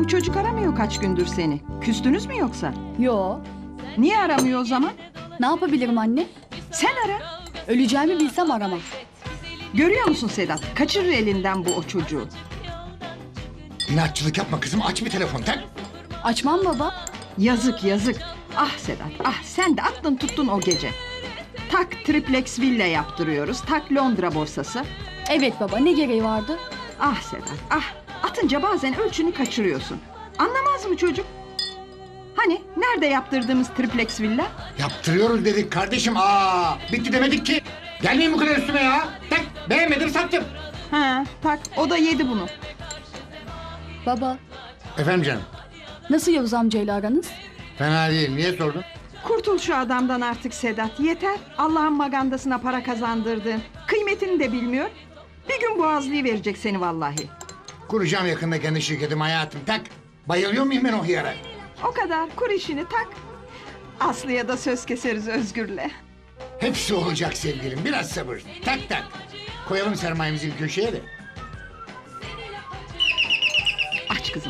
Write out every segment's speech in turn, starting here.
Bu çocuk aramıyor kaç gündür seni. Küstünüz mü yoksa? Yo. Niye aramıyor o zaman? Ne yapabilirim anne? Sen ara. Öleceğimi bilsem aramam. Görüyor musun Sedat? Kaçırır elinden bu o çocuğu. İnatçılık yapma kızım, aç bir telefon tak. Açmam baba. Yazık yazık. Ah Sedat ah, sen de aklın tuttun o gece. Tak triplex villa yaptırıyoruz. Tak Londra borsası. Evet baba, ne gereği vardı? Ah Sedat ah, atınca bazen ölçünü kaçırıyorsun. Anlamaz mı çocuk? Hani nerede yaptırdığımız triplex villa? Yaptırıyoruz dedik kardeşim. Bitti demedik ki. Gelmeyin bu kadar üstüme ya. Tak, beğenmedim sattım. Ha tak, o da yedi bunu. Baba, Efendim canım. nasıl Yavuz amcayla aranız? Fena değil, niye sordun? Kurtul şu adamdan artık Sedat. Yeter. Allah'ın magandasına para kazandırdın. Kıymetini de bilmiyor. Bir gün boğazlayı verecek seni vallahi. Kuracağım yakında kendi şirketim hayatım, tak. Bayılıyor muyum ben o hıyara? O kadar, kur işini tak. Aslı'ya da söz keseriz Özgür'le. Hepsi olacak sevgilim, biraz sabır. Tak tak. Koyalım sermayemizi bir köşeye de. Aç kızım.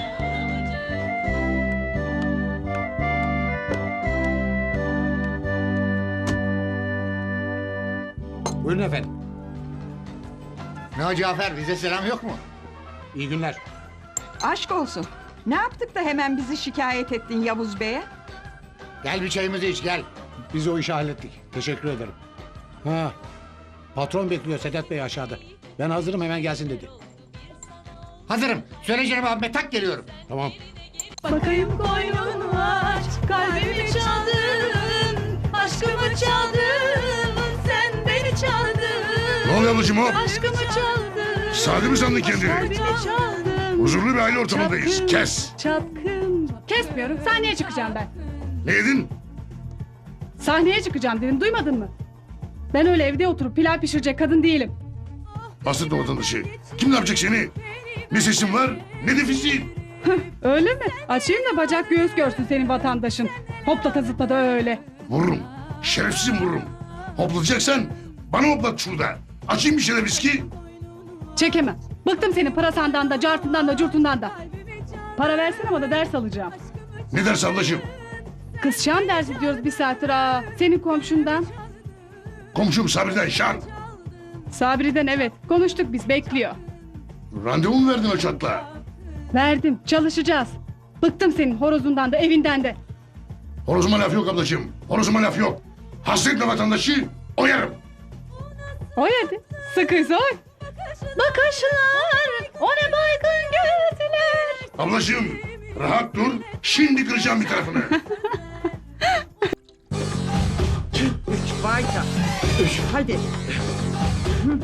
Buyurun efendim. Ne o Cafer, bize selam yok mu? İyi günler. Aşk olsun. Ne yaptık da hemen bizi şikayet ettin Yavuz Bey'e? Gel bir çayımızı iç, gel. Biz o işi hallettik. Teşekkür ederim. Ha, patron bekliyor Sedat Bey aşağıda. Ben hazırım, hemen gelsin dedi. Hazırım. Söyle canım abime, tak geliyorum. Tamam. Bakayım koynun var, kalbimi çaldın, aşkımı çaldın, sen beni çaldın. Ne oluyor ablacığım o? Aşkımı çaldın. Sade mi sandın kendini? Kalbimi çaldın. Huzurlu bir aile ortamındayız. Çapkın, Kes. Çapkın. Kesmiyorum. Sahneye çıkacağım ben. Ne dedin? Sahneye çıkacağım dedim. Duymadın mı? Ben öyle evde oturup pilav pişirecek kadın değilim. Bahsetme vatandaşı. Kim ne yapacak seni? Ne sesin var ne de fiziğin. Öyle mi? Açayım da bacak göğüs görsün senin vatandaşın. Hoplata zıplata öyle. Vururum. Şerefsizim vururum. Hoplatacaksan bana hoplat şurada. Açayım bir şeyler viski. Çekemem. Bıktım senin parasandan da, cartından da, curtundan da. Para versene bana, ders alacağım. Ne ders ablacığım? Kız Şam dersi diyoruz bir saattir ha. Senin komşundan. Komşum Sabri'den şan. Sabri'den evet. Konuştuk biz, bekliyor. Randevu mu verdin o çatla? Verdim, çalışacağız. Bıktım senin horozundan da, evinden de. Horozuma laf yok ablacığım. Horozuma laf yok. Hasretme vatandaşı oyarım. Oy hadi. Sıkıysa oy. Bakışlar, o ne baygın gözler. Ablacığım rahat dur. Şimdi kıracağım bir tarafını. Vayda. Hadi. Hı.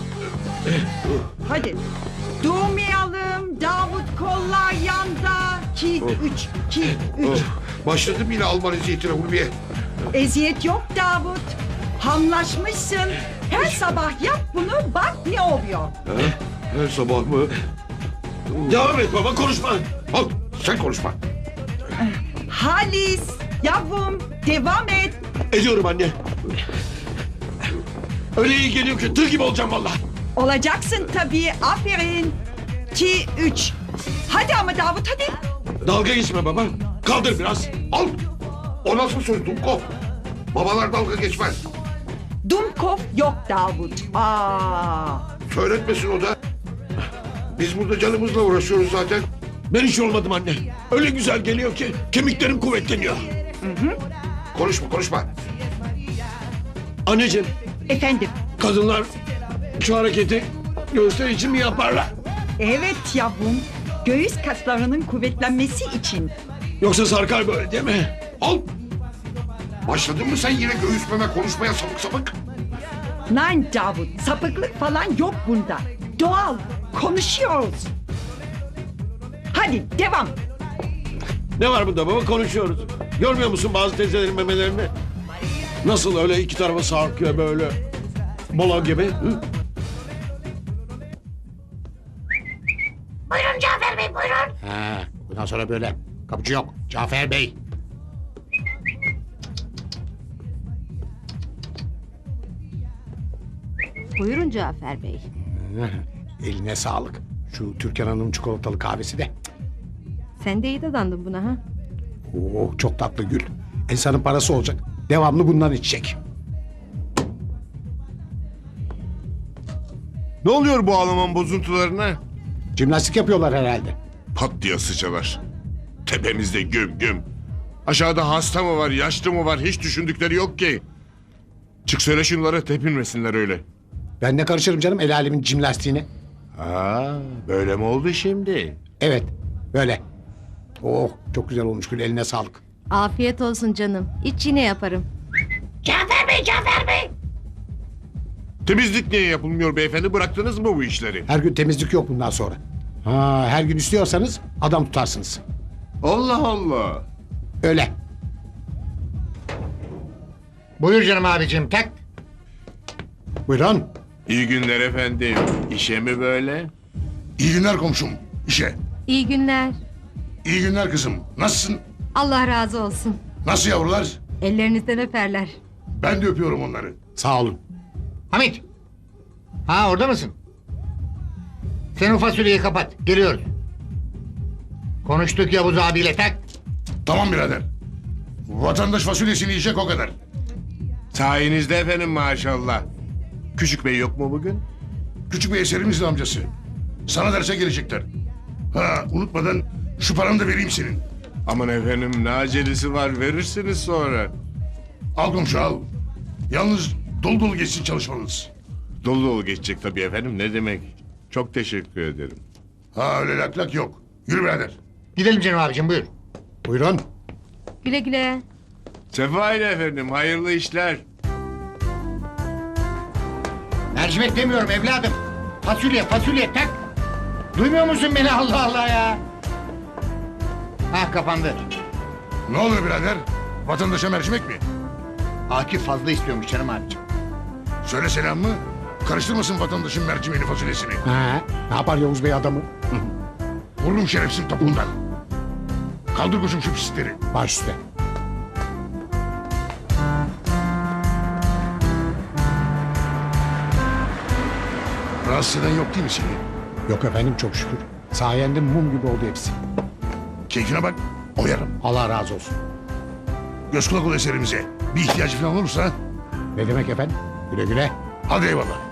Hadi. Durmayalım. Davut kollar yanda. 2, 3, 2, 3. Başladım yine Alman eziyetine Ulviye. Eziyet yok Davut. Hamlaşmışsın. Her sabah yap bunu, bak ne oluyor. Her sabah mı? Devam et baba, konuşma. Al sen konuşma. Halis, yavrum, devam et. Ediyorum anne. Öyle iyi geliyor ki tır gibi olacağım vallahi. Olacaksın tabii, aferin. 2, 3. Hadi ama Davut, hadi. Dalga geçme baba. Kaldır biraz. Al. O nasıl söz Dumkov? Babalar dalga geçmez. Dumkov yok Davut. Söyletmesin o da. Biz burada canımızla uğraşıyoruz zaten. Ben hiç olmadım anne. Öyle güzel geliyor ki kemiklerim kuvvetleniyor. Konuşma konuşma. Anneciğim, Efendim. kadınlar şu hareketi göğüsler için mi yaparlar? Evet yavrum. Göğüs kaslarının kuvvetlenmesi için. Yoksa sarkar böyle değil mi? Al. Başladın mı sen yine göğüsmeme konuşmaya sapık sapık? Nein Davut, sapıklık falan yok bunda. Doğal, konuşuyoruz. Hadi devam. Ne var bunda baba, konuşuyoruz. Görmüyor musun bazı teyzelerin memelerini? Nasıl öyle iki tarafa sarkıyor böyle. Mola gibi. Hı? Buyurun Cafer Bey, buyurun. Ha, bundan sonra böyle. Kapıcı yok. Cafer Bey. Buyurun Cafer Bey. Eline sağlık. Şu Türkan Hanım çikolatalı kahvesi de. Sen de iyi dadandın buna ha. Oh, çok tatlı Gül. İnsanın parası olacak. Devamlı bundan içecek. Ne oluyor bu Alman bozuntularına? Jimnastik yapıyorlar herhalde. Pat diye sıçalar. Tepemizde güm güm. Aşağıda hasta mı var, yaşlı mı var hiç düşündükleri yok ki. Çık söyle şunlara tepinmesinler öyle. Ben ne karışırım canım el alemin jimnastiğine. Ha, böyle mi oldu şimdi? Evet, böyle. Oh, çok güzel olmuş Gül, eline sağlık. Afiyet olsun canım. İç yine yaparım. Temizlik niye yapılmıyor beyefendi? Bıraktınız mı bu işleri? Her gün temizlik yok bundan sonra. Ha, her gün istiyorsanız adam tutarsınız. Allah Allah. Öyle. Buyur canım abicim tak. Buyurun. İyi günler efendim. İşe mi böyle? İyi günler komşum. İşe. İyi günler. İyi günler kızım. Nasılsın? Allah razı olsun. Nasıl yavrular? Ellerinizden öperler. Ben de öpüyorum onları. Sağ olun. Hamit. Ha orada mısın? Sen o fasulyeyi kapat. Geliyoruz. Konuştuk Yavuz abiyle tak. Tamam birader. Vatandaş fasulyesini yiyecek o kadar. Sayenizde efendim maşallah. Küçük bey yok mu bugün? Küçük bir eserimizin amcası. Sana derse gelecekler. Ha unutmadan şu paranı da vereyim senin. Aman efendim ne acelesi var verirsiniz sonra. Al komşu al. Yalnız dolu dolu geçsin çalışmanız. Dolu dolu geçecek tabii efendim ne demek. Çok teşekkür ederim. Ha öyle lak lak yok. Yürü birader. Gidelim canım abicim buyur. Buyurun. Güle güle. Sefa ile efendim hayırlı işler. Mercimek demiyorum evladım. Fasulye fasulye tak. Duymuyor musun beni Allah Allah ya? Ha kapandı. Ne oluyor birader? Vatandaşa mercimek mi? Akif fazla istiyormuş canım abicim. Söyle selam mı? Karıştırmasın vatandaşın mercimeğini fasulyesini. Ha, ne yapar Yavuz Bey adamı? Vururum şerefsin topundan. Kaldır koşum şu pislikleri. Baş üstte. Rahatsız eden yok değil mi seni? Yok efendim çok şükür. Sayende mum gibi oldu hepsi. Keyfine bak, oyarım. Allah razı olsun. Göz kulak ol eserimize. Bir ihtiyacı falan olursa Ne demek efendim? Güle güle. hadi eyvallah.